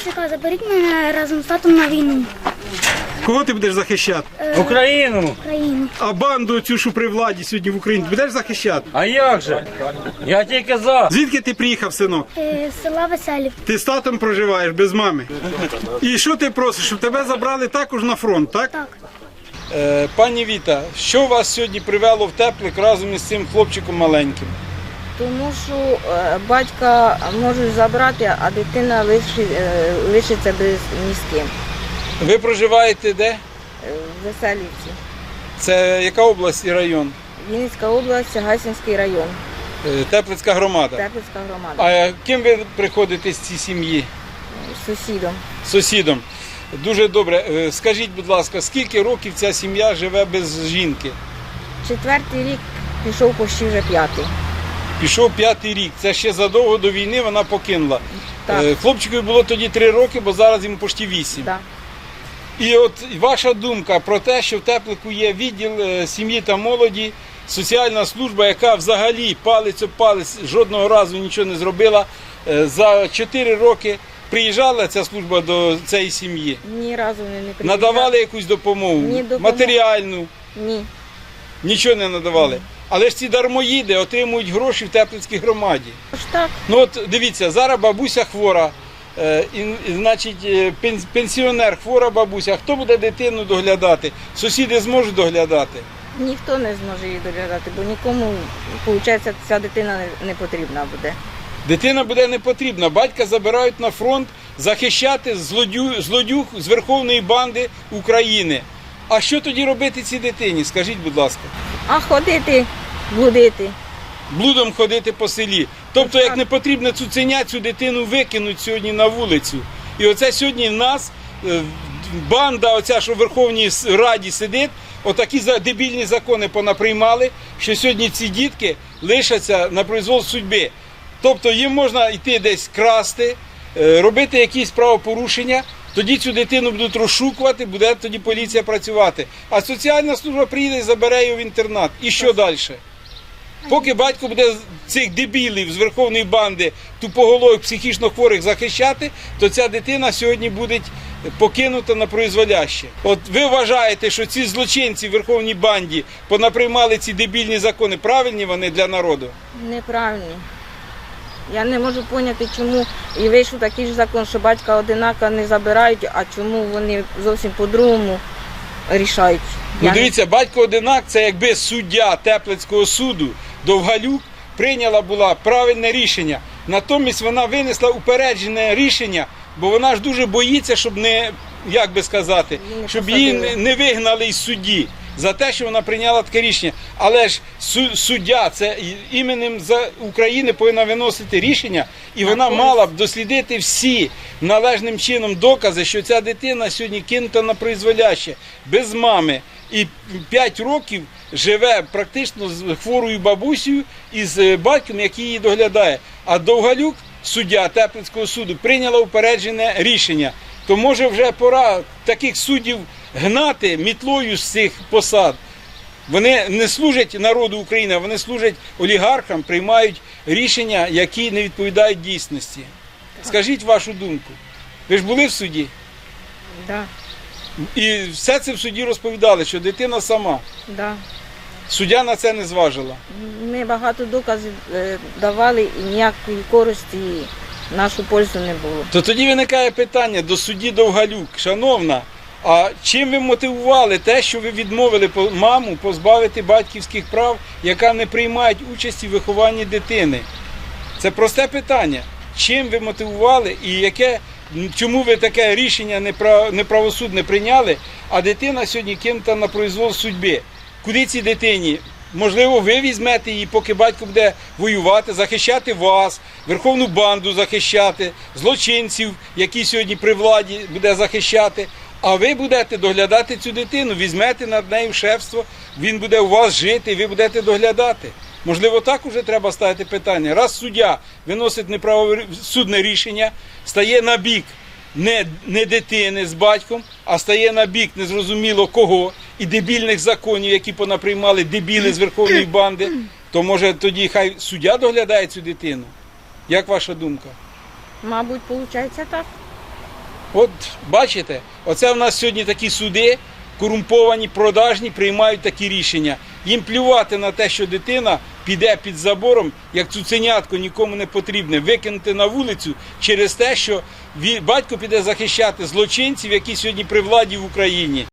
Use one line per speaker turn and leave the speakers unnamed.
ТЦК, заберіть мене разом з татом на війну.
Кого ти будеш захищати?
Україну!
Україну.
А банду цю, що при владі сьогодні в Україні, будеш захищати?
А як же? Я тільки за.
Звідки ти приїхав, синок?
З села Веселів.
Ти з татом проживаєш без мами. І що ти просиш, щоб тебе забрали також на фронт, так?
Так.
Пані Віта, що вас сьогодні привело в Теплик разом із цим хлопчиком маленьким?
Тому що батька можуть забрати, а дитина лишиться без ні з ким.
Ви проживаєте де?
В Веселівці.
Це яка область і район?
Вінницька область, Гайсинський район,
Теплицька громада.
Теплицька громада.
А ким ви приходите з цієї сім'ї?
З сусідом.
Сусідом. Дуже добре. Скажіть, будь ласка, скільки років ця сім'я живе без жінки?
4-й рік пішов почти вже 5-й.
Пішов 5-й рік. Це ще задовго до війни вона покинула.
Так.
Хлопчикові було тоді 3 роки, бо зараз йому почти 8.
Да.
І от ваша думка про те, що в Теплику є відділ сім'ї та молоді, соціальна служба, яка взагалі палець об палець жодного разу нічого не зробила. За 4 роки приїжджала ця служба до цієї сім'ї?
Ні разу не приїжджав.
Надавали якусь допомогу?
Ні, допомогу.
Матеріальну?
Ні.
Нічого не надавали. Але ж ці дармоїди отримують гроші в Теплицькій громаді.
Тож так.
Ну от дивіться, зараз бабуся хвора, значить пенсіонер, хвора бабуся. Хто буде дитину доглядати? Сусіди зможуть доглядати?
Ніхто не зможе її доглядати, бо нікому, виходить, ця дитина не потрібна буде.
Дитина буде не потрібна. Батька забирають на фронт захищати злодюг з верховної банди України. А що тоді робити цій дитині? Скажіть, будь ласка.
А ходити, блудити.
Блудом ходити по селі. Тобто, як не потрібно цуценя, цю дитину викинуть сьогодні на вулицю. І оце сьогодні в нас банда, оця, що в Верховній Раді сидить, отакі дебільні закони понаприймали, що сьогодні ці дітки лишаться на произвол судьби. Тобто їм можна йти десь красти, робити якісь правопорушення, тоді цю дитину будуть розшукувати, буде тоді поліція працювати. А соціальна служба приїде і забере її в інтернат. І що далі? Поки батько буде цих дебілів з верховної банди тупоголових психічно хворих захищати, то ця дитина сьогодні буде покинута на произволяще. От ви вважаєте, що ці злочинці в верховній банді понаприймали ці дебільні закони, правильні вони для народу?
Неправильно. Я не можу зрозуміти, чому і вийшов такий ж закон, що батька одинаково не забирають, а чому вони зовсім по-другому рішають.
Ну дивіться, батько одинак, це якби суддя Теплицького суду Довгалюк прийняла була правильне рішення. Натомість вона винесла упереджене рішення, бо вона ж дуже боїться, щоб не, як би сказати, щоб її не вигнали із судді за те, що вона прийняла таке рішення. Але ж суддя, це іменем України повинна виносити рішення, і вона мала б дослідити всі належним чином докази, що ця дитина сьогодні кинута на призволяще, без мами. І 5 років живе практично з хворою бабусею і з батьком, який її доглядає. А Довгалюк, суддя Теплицького суду, прийняла упереджене рішення. То може вже пора таких суддів гнати мітлою з цих посад. Вони не служать народу України, вони служать олігархам, приймають рішення, які не відповідають дійсності. Скажіть вашу думку. Ви ж були в суді?
Да.
І все це в суді розповідали, що дитина сама.
Да.
Суддя на це не зважила.
Ми багато доказів давали і ніякої користі в нашу пользу не було.
То тоді виникає питання до судді Довгалюк. Шановна, а чим ви мотивували те, що ви відмовили маму позбавити батьківських прав, яка не приймає участі в вихованні дитини? Це просте питання. Чим ви мотивували і чому ви таке рішення неправосудне прийняли, а дитина сьогодні кинута на произвол судьби? Куди цій дитині? Можливо, ви візьмете її, поки батько буде воювати, захищати вас, верховну банду захищати, злочинців, які сьогодні при владі буде захищати. А ви будете доглядати цю дитину, візьмете над нею шефство, він буде у вас жити, і ви будете доглядати. Можливо, так уже треба ставити питання. Раз суддя виносить неправосудне рішення, стає на бік не дитини з батьком, а стає на бік незрозуміло кого, і дебільних законів, які понаприймали дебіли з верховної банди, то може тоді хай суддя доглядає цю дитину? Як ваша думка?
Мабуть, виходить так.
От бачите, оце в нас сьогодні такі суди, корумповані, продажні, приймають такі рішення. Їм плювати на те, що дитина піде під забором, як цуценятко нікому не потрібне, викинути на вулицю через те, що батько піде захищати злочинців, які сьогодні при владі в Україні.